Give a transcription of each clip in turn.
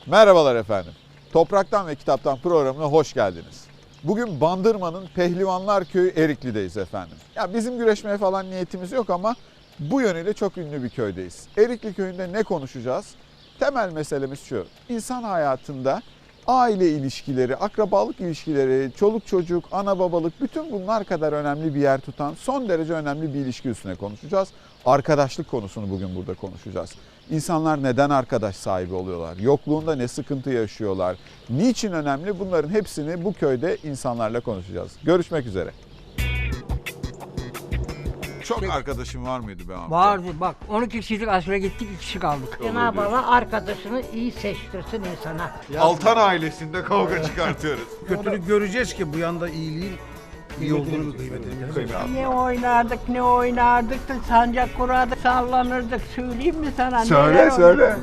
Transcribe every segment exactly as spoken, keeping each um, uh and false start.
Merhabalar efendim. Topraktan ve Kitaptan programına hoş geldiniz. Bugün Bandırma'nın Pehlivanlar Köyü Erikli'deyiz efendim. Ya bizim güreşmeye falan niyetimiz yok ama bu yönüyle çok ünlü bir köydeyiz. Erikli Köyü'nde ne konuşacağız? Temel meselemiz şu. İnsan hayatında aile ilişkileri, akrabalık ilişkileri, çoluk çocuk, ana babalık bütün bunlar kadar önemli bir yer tutan son derece önemli bir ilişki üstüne konuşacağız. Arkadaşlık konusunu bugün burada konuşacağız. İnsanlar neden arkadaş sahibi oluyorlar? Yokluğunda ne sıkıntı yaşıyorlar? Niçin önemli? Bunların hepsini bu köyde insanlarla konuşacağız. Görüşmek üzere. Çok arkadaşım var mıydı be amca? Vardı bak on iki kişilik askere gittik iki kişi kaldık. Cenab-ı Allah arkadaşını iyi seçtirsin insana. Altan ailesinde kavga çıkartıyoruz. Kötülük göreceğiz ki bu yanda iyiliğin iyi olduğunu bir kıymet edelim. Ne oynardık ne oynardık da sancak kurardık sallanırdık söyleyeyim mi sana? Söyle neler söyle. oldu?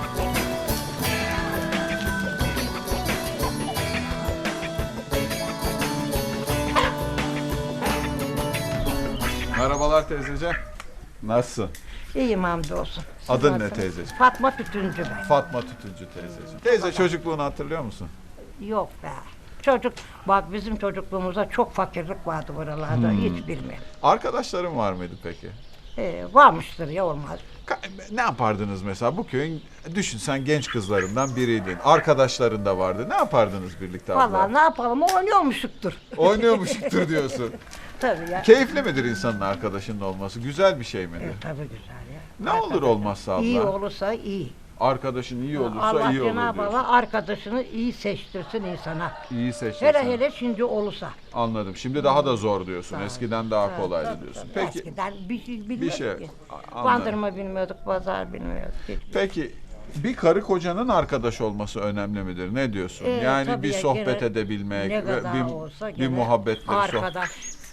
Merhabalar teyzeciğim. Nasılsın? İyiyim hamdolsun. Siz Adın ne nasılsınız? teyzeciğim? Fatma Tütüncü ben. Fatma Tütüncü teyzeciğim. Teyze çocukluğunu hatırlıyor musun? Yok be. Çocuk, bak bizim çocukluğumuzda çok fakirlik vardı buralarda Hmm. hiç bilmiyorum. Arkadaşların var mıydı peki? Ee, varmıştır ya olmaz. Ka- Ne yapardınız mesela? Bu köyün düşün sen genç kızlarından biriydin. Arkadaşların da vardı. Ne yapardınız birlikte abla? Vallahi ne yapalım oynuyormuşuktur. Oynuyormuşuktur diyorsun. Tabii ya. Keyifli midir insanın arkadaşının olması? Güzel bir şey midir? E, tabii güzel ya. Ne olur olmazsa abla? İyi olursa iyi. Arkadaşın iyi olursa Allah iyi olur Cenab-ı diyorsun. Allah arkadaşını iyi seçtirsin insana. İyi seçtin Hele sen. hele şimdi olursa. Anladım. Şimdi daha da zor diyorsun. Tabii. Eskiden daha Tabii, kolaydı tabii, diyorsun. tabii. Peki Eskiden bir şey bilmiyorduk şey, ki. a- anladım. Bandırma bilmiyorduk, pazar bilmiyorduk. Hiç. Peki bir karı kocanın arkadaş olması önemli midir? Ne diyorsun? Ee, yani tabii bir ya, sohbet gene edebilmek, ne ve kadar bir, olsa bir gene muhabbetle sohbet. Arkadaş.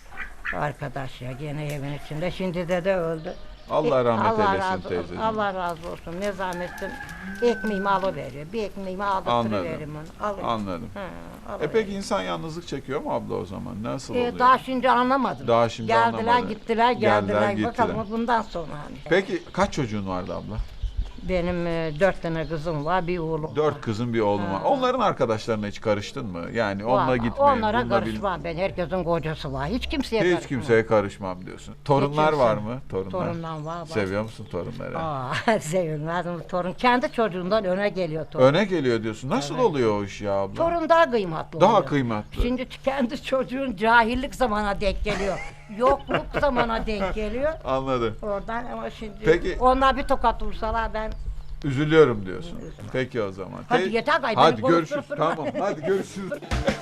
Arkadaş ya gene evin içinde. Şimdi dede öldü. Allah E, rahmet Allah eylesin razı olsun, teyzeciğim. Allah razı olsun. Ne zahmetsin. Ekmeğimi alıveriyor. Bir ekmeğimi aldırtıveririm onu. Alıyor. Anladım. Ha, E alıveriyor. peki insan yalnızlık çekiyor mu abla o zaman? Nasıl E, oluyor? daha şimdi anlamadım. Daha şimdi geldiler, anlamadın. gittiler, Geldiler, geldiler. gittiler. Bakalım bundan sonra hani. Peki kaç çocuğun vardı abla? Benim e, dört tane kızım var, bir oğlum Dört var. kızın bir oğlum var. Onların arkadaşlarına hiç karıştın mı? Yani onunla Vallahi gitmeyin. Onlara bununla bil- karışmam ben. Herkesin kocası var. Hiç kimseye Hiç karışmam. kimseye karışmam diyorsun. Torunlar kimse. var mı? Torunlar. Torunlar var, var. Seviyor musun torunları? Aa, sevilmez mi? Torun kendi çocuğundan öne geliyor torun. Öne geliyor diyorsun. Nasıl oluyor o iş ya abla? Torun daha kıymetli Daha oluyor. kıymetli. Şimdi kendi çocuğun cahillik zamana denk geliyor. Yokluk zamana denk geliyor. Anladım. Oradan ama şimdi Peki. onlar bir tokat vursalar ben Üzülüyorum diyorsun. Peki o zaman. Hadi Te- yeter gay, Hadi beni görüşürüz. konuşturup durma. Tamam. Hadi görüşürüz.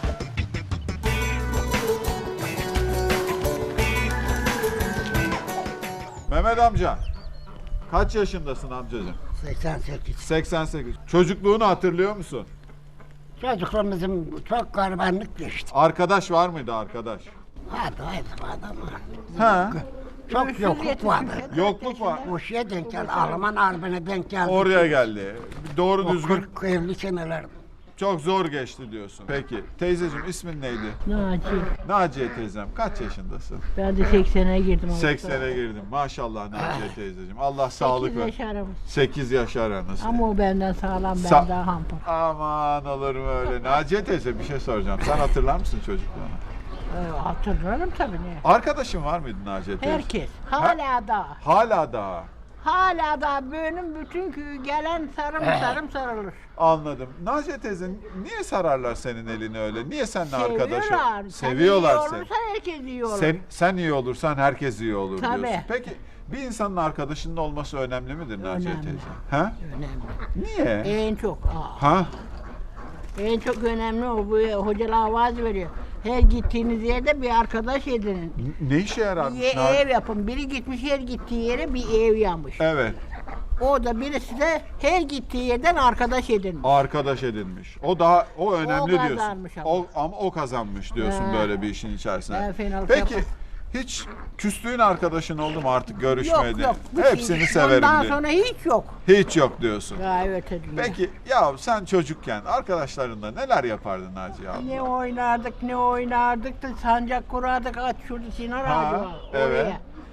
Mehmet amca. Kaç yaşındasın amcacığım? seksen sekiz. seksen sekiz. Çocukluğunu hatırlıyor musun? Çocukluğumuzun çok garibanlık geçti. Arkadaş var mıydı arkadaş? Hadi hadi adamı. Ha. Çok yokluk vardı. Yokluk var. O şeye denk geldi. Alman harbine denk geldi. Oraya geldi. Doğru O düzgün kırk elli seneler. çok zor geçti diyorsun. Peki teyzeciğim ismin neydi? Naci. Naciye teyzem kaç yaşındasın? Ben de seksene girdim. ama. seksene girdim. Maşallah Naciye teyzeciğim. Allah sağlık Sekiz ver. yaşarım. sekiz yaş aranız. Ama o benden sağlam, ben Sa- daha hampar. Aman olur mu öyle? Naciye teyze bir şey soracağım. Sen hatırlar mısın çocukluğunu? Ee, hatırlarım tabii ne. Arkadaşın var mıydı Naciye teyze? Herkes. Hala da. Hala daha. Hala da benim bütün köyü gelen sarım sarım sarılır. Anladım. Naciye teyze niye sararlar senin elini öyle? Niye seninle arkadaş ol- Seviyorlar. Sen Seviyorlar iyi seni. olursan herkes iyi olur. Sen, sen iyi olursan herkes iyi olur Tabii. diyorsun. Peki bir insanın arkadaşının olması önemli midir Naciye Önemli. teyze? Ha? Önemli. Niye? En çok. Aa, Ha? en çok önemli o. Bu hocalar vaaz veriyor. Her gittiğiniz yerde bir arkadaş edinin. Ne işe yararmış? Bir Na- ev yapın. Biri gitmiş her gittiği yere bir ev yapmış. Evet. O da birisi de her gittiği yerden arkadaş edinmiş. Arkadaş edinmiş. O daha o önemli diyorsun. kazanmış ama. O ama o kazanmış diyorsun Ha. böyle bir işin içerisine. Ben fenalık Peki yapmam. hiç küstüğün arkadaşın oldu mu artık Yok görüşmedi? yok. Bu Hepsini şey- severim Ondan diyor. sonra hiç yok. Hiç yok diyorsun. Ya evet ediyor. Peki ya sen çocukken arkadaşlarınla neler yapardın Naciye abla? Ne oynardık ne oynardık da sancak kurardık at şurada Sinan Ha, ağacı var. evet. Oraya.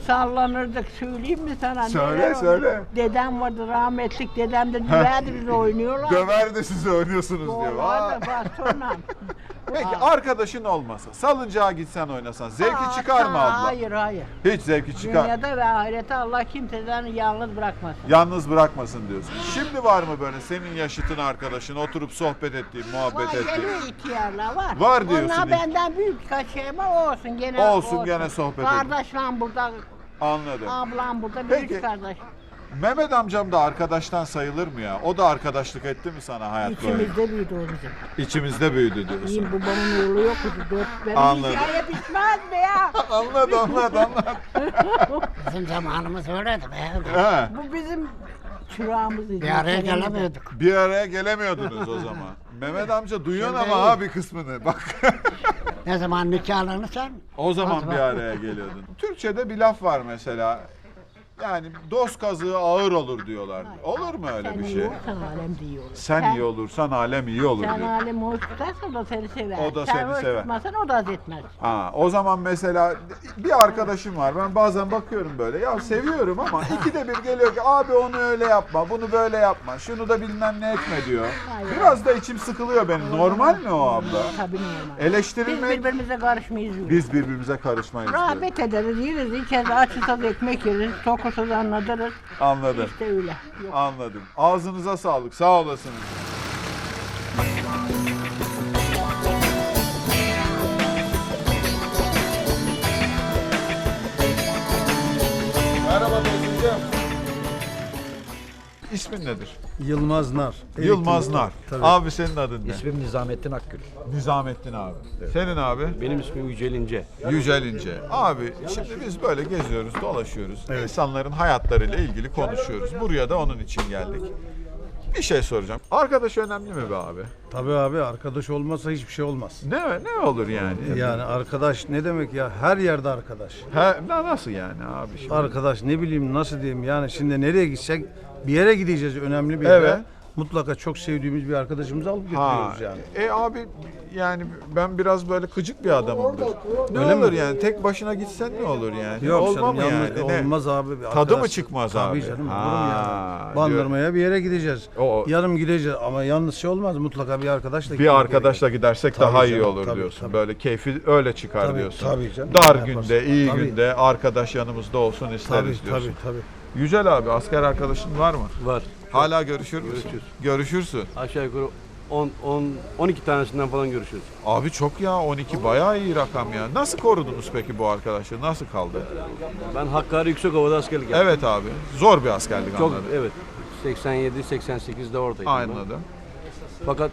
sallanırdık. Söyleyeyim mi sana? Söyle, neler oldu? söyle. Dedem vardı rahmetlik. Dedem de düverdi bizi oynuyorlar. Döver de siz oynuyorsunuz diyor. Vay. Vardı bastonla. Peki arkadaşın olmasa, salıncağa gitsen oynasan zevki Aa, çıkar mı abla? Hayır hayır. Hiç zevki çıkar. Dünyada ve ahirette Allah kimseden yalnız bırakmasın. Yalnız bırakmasın diyorsun. Şimdi var mı böyle senin yaşıtın arkadaşın oturup sohbet ettiğin, muhabbet Var ettiğin? geliyor ihtiyarlar var. Var diyorsun. Onlar benden büyük birkaç şey var olsun gene Olsun, gene sohbet edin. Kardeşlerim burada, Anladım. ablam burada, Peki. büyük kardeş. Mehmet amcam da arkadaştan sayılır mı ya? O da arkadaşlık etti mi sana hayat boyu? İçimizde büyüdü o bizim. İçimizde büyüdü diyorsun. Benim babamın oğlu yoktu. Dört benim Anladım. hikaye bitmez mi ya? Anlat anlat anlat. Bizim zamanımız öyleydi be. He, Bu bizim çırağımızdı. Bir araya gelemiyorduk. bir araya gelemiyordunuz o zaman. Mehmet amca duyuyorsun Şimdi ama iyi. ha bir kısmını bak. Ne zaman nikahlanırsan O zaman zaman. bir araya geliyordun. Türkçe'de bir laf var mesela. Yani dost kazığı ağır olur diyorlar. Olur mu öyle Sen bir iyi şey? olursan alem de iyi olur. Sen iyi olursan alem iyi olur Sen diyor. alemi hoş tutarsan o da seni sever. O da Sen seni hoş sever. tutmazsan o da haz etmez. Ha, o zaman mesela bir arkadaşım var. Ben bazen bakıyorum böyle. Ya seviyorum ama ikide bir geliyor ki abi onu öyle yapma, bunu böyle yapma, şunu da bilmem ne etme diyor. Biraz da içim sıkılıyor benim. Normal mi o abla? Tabii normal. Biz Eleştirilmek birbirimize karışmayız. biz birbirimize karışmayız diyor. Rahmet ederiz, yeriz, içeriz, açısız ekmek yeriz, tokusuz anlatırız. Anladım. İşte öyle. Yok. Anladım. Ağzınıza sağlık. Sağ olasınız. Merhaba teyzeciğim. İsmin nedir? Yılmaz Nar. Yılmaz Nar. Tabii. Abi senin adın ne? İsmim Nizamettin Akgül. Nizamettin abi. Senin abi? Benim ismim Yücel İnce. Yücel İnce. Abi şimdi biz böyle geziyoruz, dolaşıyoruz. İnsanların hayatlarıyla ilgili konuşuyoruz. Buraya da onun için geldik. Bir şey soracağım. Arkadaş önemli mi be abi? Tabii abi, arkadaş olmasa hiçbir şey olmaz. Ne ne olur yani? Yani arkadaş ne demek ya? Her yerde arkadaş. Ha, na- nasıl yani abi şimdi? Arkadaş ne bileyim nasıl diyeyim, yani şimdi nereye gitsek bir yere gideceğiz, önemli bir yere. Evet. Mutlaka çok sevdiğimiz bir arkadaşımızı alıp Ha, getiriyoruz yani. e abi yani ben biraz böyle gıcık bir adamımdır. Ne Öyle olur mi? yani tek başına gitsen ne olur yani? Yok Olma canım, mı yalnız- yani? Ne? olmaz abi. Bir Tadı arkadaş- mı çıkmaz Tabii abi? canım, Ha, olur mu ya? Bandırmaya bir yere gideceğiz. O- Yarım gideceğiz ama yalnız şey olmaz, mutlaka bir arkadaşla Bir arkadaşla gidersek Tabii daha iyi canım, olur tabii, diyorsun. tabii. Böyle keyfi öyle çıkar Tabii, diyorsun. tabii canım. Dar Yaparsın. günde, iyi Tabii. günde arkadaş yanımızda olsun isteriz Tabii diyorsun. tabii tabii. Yücel abi asker arkadaşın var mı? Var. Hala görüşür müsün? Görüşürüz. Görüşürsün. Aşağı yukarı on, on, on iki tanesinden falan görüşürüz. Abi çok ya on iki bayağı iyi rakam ya. Nasıl korudunuz peki bu arkadaşı? Nasıl kaldı? Ben Hakkari Yüksekova'da askerlik yaptım. Evet abi. Zor bir askerlik Çok, anladım. evet. seksen yedi seksen sekizde oradaydım. ben. Anladım. Fakat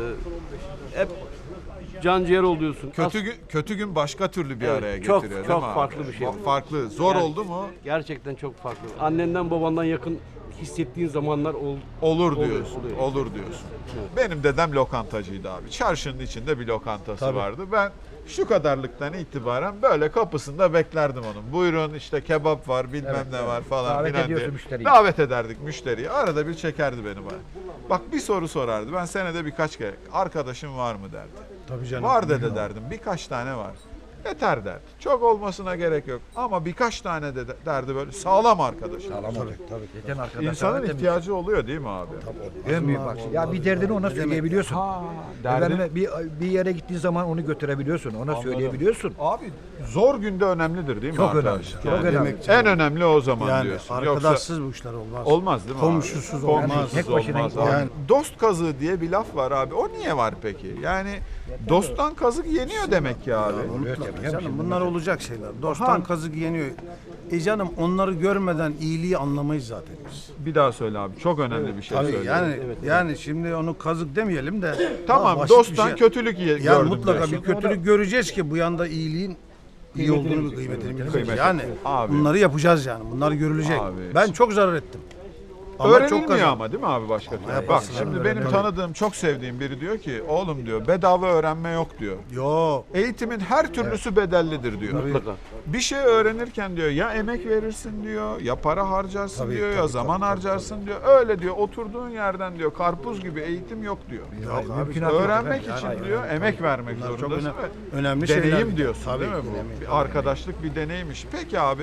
e, hep can ciğer oluyorsun. Kötü As- gün, kötü gün başka türlü bir Evet, araya çok- getiriyor çok değil mi abi? farklı bir şey. Fa- Farklı. Zor Yani- oldu mu? Gerçekten çok farklı. Annenden babandan yakın hissettiğin zamanlar oldu. Olur Oluyor, diyorsun. oluyor. Olur diyorsun. Benim dedem lokantacıydı abi. Çarşının içinde bir lokantası Tabii. vardı. Ben şu kadarlıktan itibaren böyle kapısında beklerdim onun. Buyurun işte kebap var, bilmem ne var falan Davet filan ediyorsun diye. müşteriyi. Davet ederdik müşteriyi. Arada bir çekerdi beni bana. Bak bir soru sorardı. Ben senede birkaç kere arkadaşım var mı derdi. Tabii canım. Var dede derdim. Birkaç tane var. Yeter derdi. Çok olmasına gerek yok. Ama birkaç tane de derdi böyle sağlam arkadaş. Sağlam olur. Tabii. Geçen arkadaş İnsanın ihtiyacı oluyor değil mi abi? En büyük bak. Ya bir derdini ona söyleyebiliyorsun. derdini- Efendime bir bir yere gittiğin zaman onu götürebiliyorsun. Ona söyleyebiliyorsun. Abi zor günde önemlidir değil mi Çok arkadaşlık? önemli, çok Yani önemli. En önemli o zaman Yani diyorsun. arkadaşsız bu işler olmaz. Yoksa olmaz değil mi Komşusuz abi? olmaz. Komşusuz Tek başına olmaz gitmez. abi. Yani- Dost kazığı diye bir laf var abi. O niye var peki? Yani dosttan kazık yeniyor demek ki abi. Mutlaka canım, bunlar olacak şeyler. Ha. Dosttan kazık yeniyor. E canım, onları görmeden iyiliği anlamayız zaten biz. Bir daha söyle abi. Çok önemli bir şey Tabii söyle. yani yani şimdi onu kazık demeyelim de Tamam daha basit bir dosttan şey. kötülük ye- Yani gördüm mutlaka diyorsun. bir kötülük göreceğiz ki bu yanda iyiliğin iyi olduğunu, kıymetini bileceğiz. Yani Abi. bunları yapacağız yani. Bunlar görülecek. Abi. Ben çok zarar ettim. Ama Öğrenilmiyor çok kazan- ama değil mi abi başka türlü? Bak yaparsın şimdi canım, benim öğrenilmiyor. tanıdığım, çok sevdiğim biri diyor ki oğlum diyor bedava öğrenme yok diyor. Yo. Eğitimin her türlüsü bedellidir diyor. Mutlaka. Bir şey öğrenirken diyor ya emek verirsin diyor, ya para harcarsın Tabii, diyor, ya tabii, zaman tabii, harcarsın diyor. Öyle diyor oturduğun yerden diyor karpuz gibi eğitim yok diyor. Yok abi. mümkünatı yok Öğrenmek efendim. için Hayır, diyor emek vermek Bunlar çok zorundasın. önemli, ve önemli deneyim şeyler. diyorsun Tabii değil mi ki, bu? önemli. Bir arkadaşlık bir deneymiş. Peki abi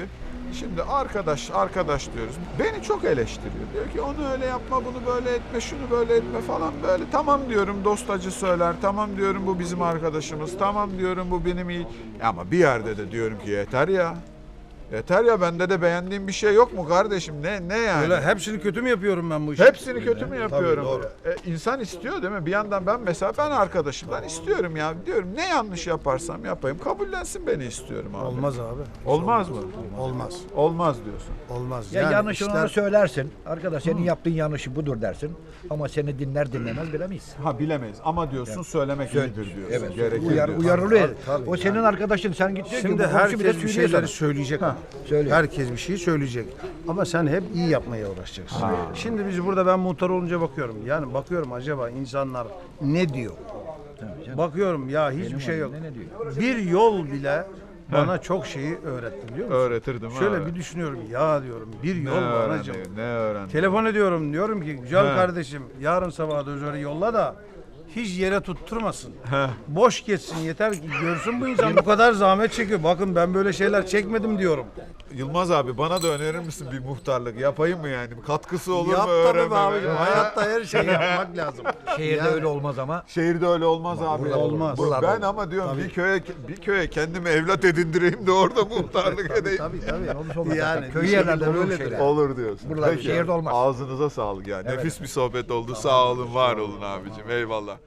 Şimdi arkadaş arkadaş diyoruz. Beni çok eleştiriyor. Diyor ki onu öyle yapma, bunu böyle etme, şunu böyle etme falan böyle. Tamam diyorum, dostacı söyler. Tamam diyorum, bu bizim arkadaşımız. Tamam diyorum, bu benim iyi. Ama bir yerde de diyorum ki yeter ya. Yeter ya, bende de beğendiğim bir şey yok mu kardeşim? Ne ne yani? Öyle hepsini kötü mü yapıyorum ben bu işi? Hepsini kötü mü yapıyorum? Tabii, doğru. E, insan istiyor değil mi? Bir yandan ben mesela ben arkadaşımdan istiyorum ya. Diyorum ne yanlış yaparsam yapayım kabullensin beni istiyorum abi. Olmaz abi. Olmaz mı? Olmaz. Olmaz diyorsun. Olmaz. Ya Yani yanlışını işler- ona söylersin. Arkadaş senin yaptığın yanlışı budur dersin. Ama seni dinler dinlemez bilemeyiz. Ha bilemeyiz ama diyorsun söylemek Söyle- iyidir diyorsun. Evet. Gerekir Uyar, diyorsun. uyarılıyor. Tabii, tabii. O senin arkadaşın. Sen git diyor ki, Şimdi bu komşu bir de herkes bir söylüyor şeyleri sana. söyleyecek. ama. Söylüyor. Herkes bir şey söyleyecek. Ama sen hep iyi yapmaya uğraşacaksın. Şimdi biz burada ben muhtar olunca bakıyorum. Yani bakıyorum acaba insanlar ne diyor? Bakıyorum ya hiçbir şey yok. Ne, ne diyor? Bir yol bile bana çok şeyi öğretti biliyor musun? Öğretirdim ha. Şöyle bir düşünüyorum ya diyorum bir ne yol bana öğrendin? acaba. Ne öğrendin? Telefon ediyorum diyorum ki güzel He. kardeşim yarın sabah dozörü yolla da hiç yere tutturmasın. He. Boş geçsin yeter ki görsün bu insan bu kadar zahmet çekiyor. Bakın ben böyle şeyler çekmedim diyorum. Yılmaz abi bana da önerir misin bir muhtarlık? Yapayım mı yani? Katkısı olur Yap mu tabii be öğrenmeme? abicim. Hayatta her şeyi yapmak lazım. Şehirde Yani- öyle olmaz ama. Şehirde öyle olmaz abi. burada olmaz. Bu- Buralarda Ben ama diyorum bir köye bir köye kendimi evlat edindireyim de orada muhtarlık edeyim. Tabii tabii. Olmuş olmaz. Yani Yani, köy bir yerlerde şekilde olur öyledir şeyler. yani. Olur diyorsun. Buralarda, Peki. şehirde olmaz. Ağzınıza sağlık yani. Nefis bir sohbet oldu. Sağ olun, var olun abicim. Eyvallah.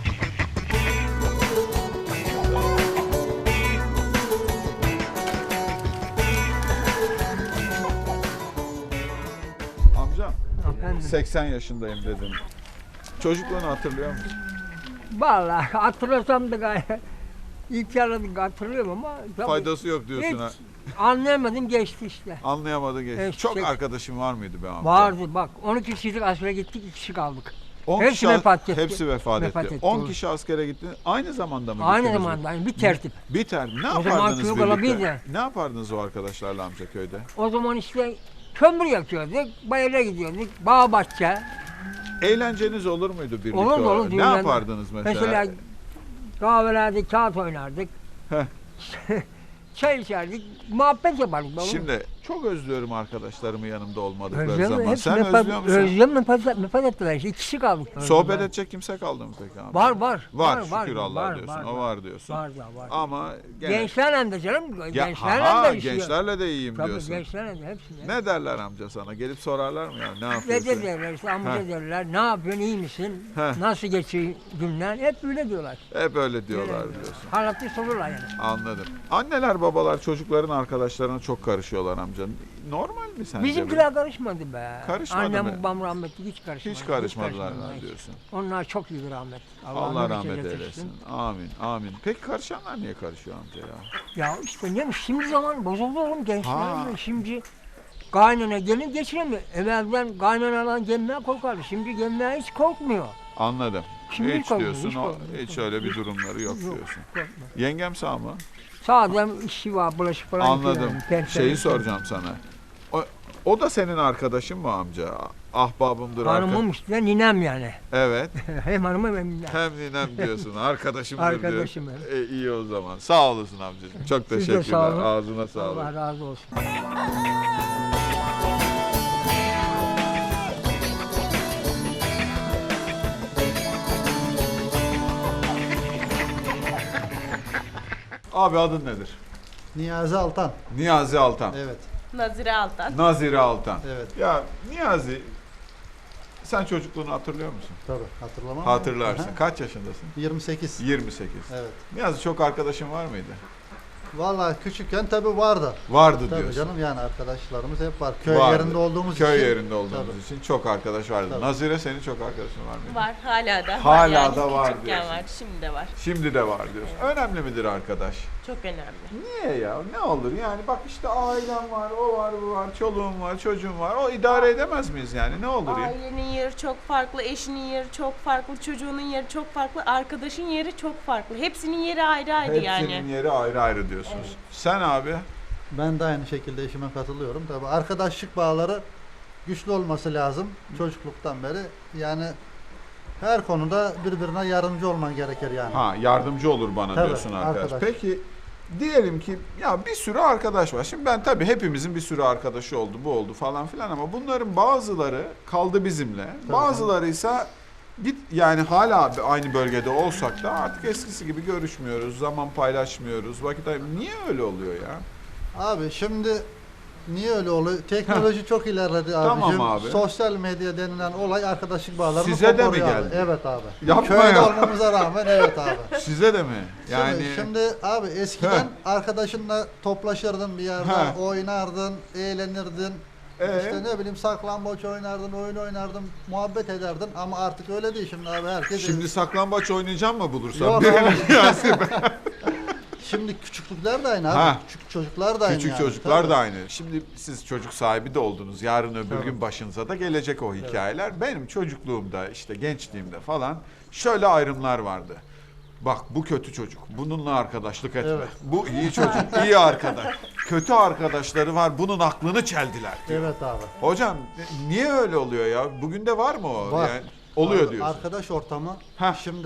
Amcam seksen yaşındayım dedim. Çocukluğunu hatırlıyor musun? Vallahi hatırlasam da gayet ilk yaradık hatırlıyorum ama tabii Faydası yok diyorsun ha. hiç anlayamadım geçti işte. Anlayamadın geçti. Evet, Çok şey- arkadaşın var mıydı be amca? Vardı bak on iki kişilik askere gittik iki kişi kaldık. on Hepsi kişi, vefat etti. Hepsi vefat, Vefat etti. etti, on doğru. kişi askere gitti. Aynı zamanda mı Aynı gittiniz? zamanda yani bir tertip. Biter. Ne O zaman yapardınız çocuk birlikte? olabilir. Ne yapardınız o arkadaşlarla amca köyde? O zaman işte kömür yakıyorduk, bayıra gidiyorduk, bağ bahçe. Eğlenceniz olur muydu birlikte? Olur mu olur Ne düğünler- yapardınız mesela? Mesela kahvelerde kağıt oynardık. Heh. Çay içerdik, muhabbet yapardık. oğlum. Şimdi çok özlüyorum arkadaşlarımı yanımda olmadıkları Özlem, zaman. hepsi Sen vefat- özlüyor musun? Özlem vefat, vefat ettiler işte iki kişi kaldık. Sohbet edecek kimse kaldı mı peki abi? Var var. Var, şükür var, Allah var, diyorsun. var, o var diyorsun. Var da var. Ama gene... Gençlerle de canım. Ya, Gençlerle ha, de işiyor. gençlerle de iyiyim Tabii diyorsun. gençlerle de hepsine. Ne derler amca sana? Gelip sorarlar mı ya? Ne Ne yapıyorsun? derler işte amca Heh. derler. Ne yapıyorsun iyi misin? Heh. Nasıl geçiyor günler? Hep öyle diyorlar. Hep öyle diyorlar Öyle diyorsun. Halatlı sorurlar yani. Anladım. Anneler babalar çocukların arkadaşlarına çok karışıyorlar amca. Normal mi sence? bu? Bizimkiler karışmadı be. Karışmadı Annem mı? babam rahmetli hiç karışmadı. Hiç karışmadılar karışmadılar mı hiç. diyorsun? Onlar çok iyi rahmet. Allah nur rahmet içinde eylesin. yatırsın. Amin. Amin. Peki karışanlar niye karışıyor amca ya? Ya işte ne şimdi zaman bozuldu oğlum Ha. gençler. Şimdi kaynana gelin geçiremiyor. Evvelden kaynanadan gelmeye korkardı. Şimdi gelmeye hiç korkmuyor. Anladım. Şimdi hiç hiç korkmuyor, diyorsun. hiç o, korkmuyor, hiç hiç öyle bir durumları yok Yok, diyorsun. korkma. Yengem sağ mı? Sadece işi var, bulaşık falan. Anladım. yıkıyor yani, Şeyi tertemiz. soracağım sana. O, o da senin arkadaşın mı amca? Ahbabımdır Hanımım arkadaşım. işte ninem yani. Evet. hem hanımım hem ninem. Hem ninem diyorsun. Arkadaşımdır Arkadaşım, diyor. evet. E, iyi o zaman. Sağ olasın amcacığım. Çok Siz de teşekkürler. sağ olun. Ağzına sağlık. Allah razı olsun. Abi adın nedir? Niyazi Altan. Niyazi Altan. Evet, Nazire Altan. Nazire Altan. evet. Ya Niyazi, sen çocukluğunu hatırlıyor musun? Tabii hatırlamam. Hatırlarsın. Aha. Kaç yaşındasın? yirmi sekiz. yirmi sekiz. Evet. Niyazi çok arkadaşın var mıydı? Vallahi küçükken tabii vardı. Vardı Tabii diyorsun. canım yani arkadaşlarımız hep var. Köy Vardı. yerinde olduğumuz Köy için. yerinde olduğumuz Tabii. için çok arkadaş vardı. Tabii. Nazire senin çok arkadaşın var mıydı? Var hala da. Hala var yani. da var Küçükken diyorsun. var, şimdi de var. Şimdi de var diyorsun. Önemli midir arkadaş? Çok önemli. Niye ya? Ne olur yani bak işte ailem var, o var, bu var, çoluğum var, çocuğum var. O idare edemez miyiz yani? Ne olur ya? Ailenin yeri çok farklı, eşinin yeri çok farklı, çocuğunun yeri çok farklı, arkadaşın yeri çok farklı. Hepsinin yeri ayrı ayrı Hepsinin yani. yeri ayrı ayrı diyorsunuz. Sen abi? Ben de aynı şekilde eşime katılıyorum. Tabii arkadaşlık bağları güçlü olması lazım çocukluktan beri. Yani her konuda birbirine yardımcı olman gerekir yani. Ha yardımcı olur bana Tabii, diyorsun arkadaş. arkadaş. Peki diyelim ki ya bir sürü arkadaş var. Şimdi ben tabii hepimizin bir sürü arkadaşı oldu, bu oldu falan filan ama bunların bazıları kaldı bizimle. Bazıları ise git yani hala aynı bölgede olsak da artık eskisi gibi görüşmüyoruz, zaman paylaşmıyoruz, vakit ay- niye öyle oluyor ya? Abi şimdi niye öyle oluyor? Teknoloji çok ilerledi abicim. Tamam abi. Sosyal medya denilen olay arkadaşlık bağlarını Size de mi koparıyor abi. geldi? Evet abi. Yapma Köyde ya. olmamıza rağmen evet abi. Size de mi? Yani Şimdi, şimdi abi eskiden Heh. arkadaşınla toplaşırdın bir yerde, Heh. oynardın, eğlenirdin. Ee? İşte ne bileyim saklambaç oynardın, oyun oynardın, muhabbet ederdin ama artık öyle değil şimdi abi herkes. şimdi saklambaç oynayacağım mı bulursam? Yok Birini abi. Yasin Bey. Şimdi küçüklükler de aynı abi. Ha. Küçük çocuklar da aynı. Küçük yani. çocuklar Tabii. da aynı. Şimdi siz çocuk sahibi de oldunuz. Yarın öbür gün başınıza da gelecek o hikayeler. Benim çocukluğumda işte gençliğimde falan şöyle ayrımlar vardı. Bak bu kötü çocuk. Bununla arkadaşlık etme. Evet. Bu iyi çocuk. iyi arkadaş. Kötü arkadaşları var. Bunun aklını çeldiler diyor. Evet abi. Hocam niye öyle oluyor ya? Bugün de var mı o? Var. Yani oluyor Abi, diyorsun. Arkadaş ortamı. Heh. Şimdi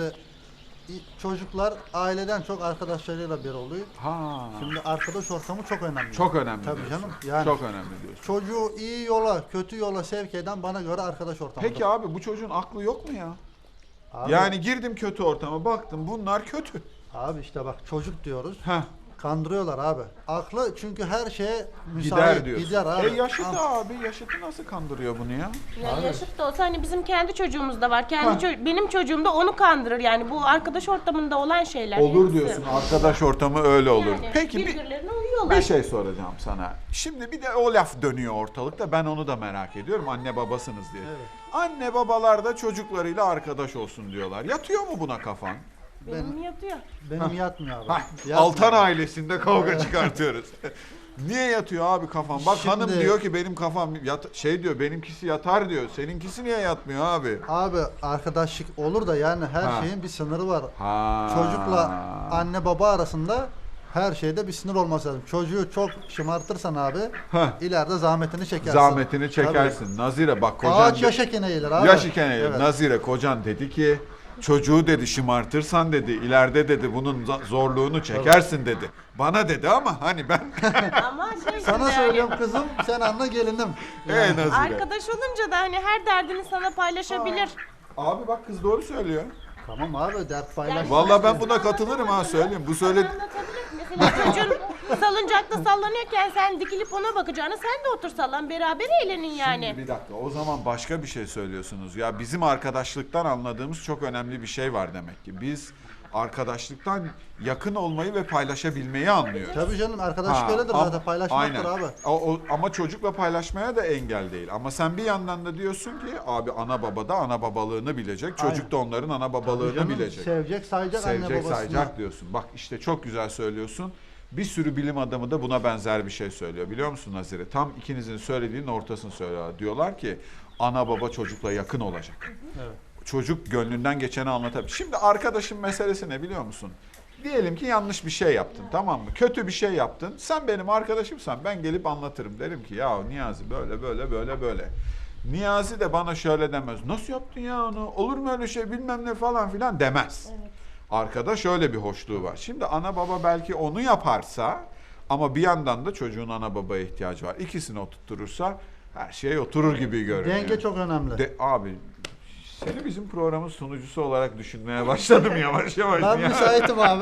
i- çocuklar aileden çok arkadaşlarıyla bir oluyor. Ha. Şimdi arkadaş ortamı çok önemli. Çok önemli Tabii diyorsun. canım. Yani Çok önemli diyorsun. çocuğu iyi yola, kötü yola sevk eden bana göre arkadaş ortamı. Peki abi bu çocuğun aklı yok mu ya? Abi, Yani girdim kötü ortama baktım bunlar kötü. abi işte bak çocuk diyoruz. Heh. Kandırıyorlar abi. Aklı çünkü her şeye müsait. Gider diyorsun. Gider abi. E yaşıtı Ama- abi. Yaşıtı nasıl kandırıyor bunu ya? Ya yaşıt da olsa hani bizim kendi çocuğumuz da var. Kendi ço- benim çocuğum da onu kandırır yani bu arkadaş ortamında olan şeyler. Olur hepsi. diyorsun. Arkadaş ortamı öyle olur. Yani Peki bir, birbirlerine uyuyorlar. bir şey soracağım sana. Şimdi bir de o laf dönüyor ortalıkta. Ben onu da merak ediyorum. Anne babasınız diye. Anne babalar da çocuklarıyla arkadaş olsun diyorlar. Yatıyor mu buna kafan? Benim yatıyor. Benim yatmıyor abi. Hah, Yatmıyor. Altan ailesinde kavga çıkartıyoruz. Niye yatıyor abi kafam? Bak Şimdi- hanım diyor ki benim kafam yat şey diyor benimkisi yatar diyor. Seninkisi niye yatmıyor abi? Abi arkadaşlık olur da yani her Ha. şeyin bir sınırı var. Ha. Çocukla anne baba arasında her şeyde bir sınır olması lazım. Çocuğu çok şımartırsan abi Heh. ileride zahmetini çekersin. Zahmetini çekersin. Nazire bak Tabii. kocan Ağaç yaş ekene eğilir abi. yaş iken eğilir. Evet. Nazire kocan dedi ki çocuğu dedi şımartırsan dedi ileride dedi bunun za- zorluğunu çekersin dedi. Bana dedi ama hani ben Ama şey Sana şimdi söylüyorum kızım, sen anla gelinim. Ee Nazire. arkadaş olunca da hani her derdini sana paylaşabilir. Abi bak kız doğru söylüyor. Tamam abi, dert paylaş. Vallahi ben buna katılırım ha söyleyeyim. Bu söyledi. Anlatabilir. Mesela çocuğun salıncakta sallanıyorken sen dikilip ona bakacağını sen de otur sallan beraber eğlenin yani. Bir dakika o zaman başka bir şey söylüyorsunuz. Ya bizim arkadaşlıktan anladığımız çok önemli bir şey var demek ki. Biz arkadaşlıktan yakın olmayı ve paylaşabilmeyi anlıyoruz. Tabii canım, arkadaşlık Ha, öyledir am- zaten, paylaşmaktır aynen. abi. O, o- ama çocukla paylaşmaya da engel değil. Ama sen bir yandan da diyorsun ki abi ana baba da ana babalığını bilecek. Çocuk Aynen. da onların ana babalığını Canım, bilecek. Sevecek, sayacak anne Sevecek, babasını. sayacak diyorsun. Bak işte çok güzel söylüyorsun. Bir sürü bilim adamı da buna benzer bir şey söylüyor. Biliyor musun Nazire? Tam ikinizin söylediğinin ortasını söylüyorlar. Diyorlar ki ana baba çocukla yakın olacak. Evet. Çocuk gönlünden geçeni anlatabilir. Şimdi arkadaşın meselesi ne biliyor musun? Diyelim ki yanlış bir şey yaptın, tamam mı? Kötü bir şey yaptın. Sen benim arkadaşımsan ben gelip anlatırım. Derim ki ya Niyazi böyle böyle böyle böyle. Niyazi de bana şöyle demez. Nasıl yaptın ya onu? Olur mu öyle şey bilmem ne falan filan demez. Arkada şöyle bir hoşluğu var. Şimdi ana baba belki onu yaparsa ama bir yandan da çocuğun ana babaya ihtiyacı var. İkisini oturturursa her şey oturur gibi görünüyor. Denge çok önemli. De, abi seni bizim programın sunucusu olarak düşünmeye başladım yavaş yavaş. Ben ya. müsaitim abi.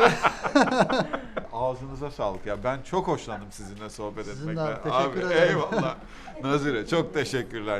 Ağzınıza sağlık ya. Ben çok hoşlandım sizinle sohbet Sizin de etmekten. abi, teşekkür abi, ederim. Eyvallah. Nazire çok teşekkürler.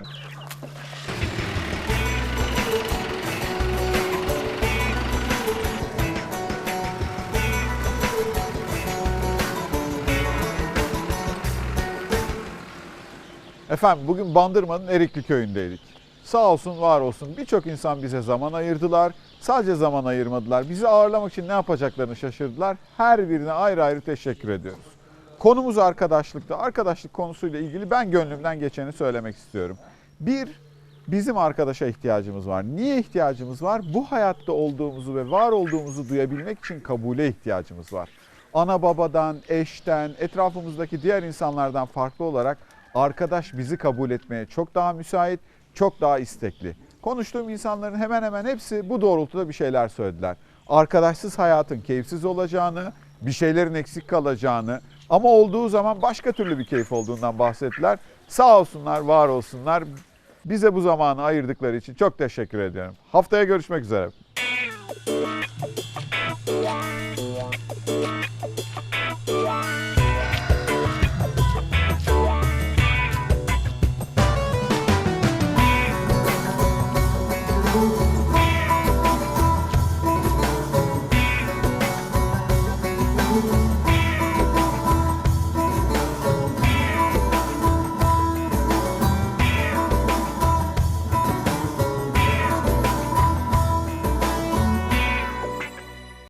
Efendim bugün Bandırma'nın Erikli köyündeydik. Sağ olsun var olsun birçok insan bize zaman ayırdılar. Sadece zaman ayırmadılar. Bizi ağırlamak için ne yapacaklarını şaşırdılar. Her birine ayrı ayrı teşekkür ediyoruz. Konumuz arkadaşlıkta. Arkadaşlık konusuyla ilgili ben gönlümden geçeni söylemek istiyorum. Bir, bizim arkadaşa ihtiyacımız var. Niye ihtiyacımız var? Bu hayatta olduğumuzu ve var olduğumuzu duyabilmek için kabule ihtiyacımız var. Ana babadan, eşten, etrafımızdaki diğer insanlardan farklı olarak arkadaş bizi kabul etmeye çok daha müsait, çok daha istekli. Konuştuğum insanların hemen hemen hepsi bu doğrultuda bir şeyler söylediler. Arkadaşsız hayatın keyifsiz olacağını, bir şeylerin eksik kalacağını ama olduğu zaman başka türlü bir keyif olduğundan bahsettiler. Sağ olsunlar, var olsunlar. Bize bu zamanı ayırdıkları için çok teşekkür ediyorum. Haftaya görüşmek üzere.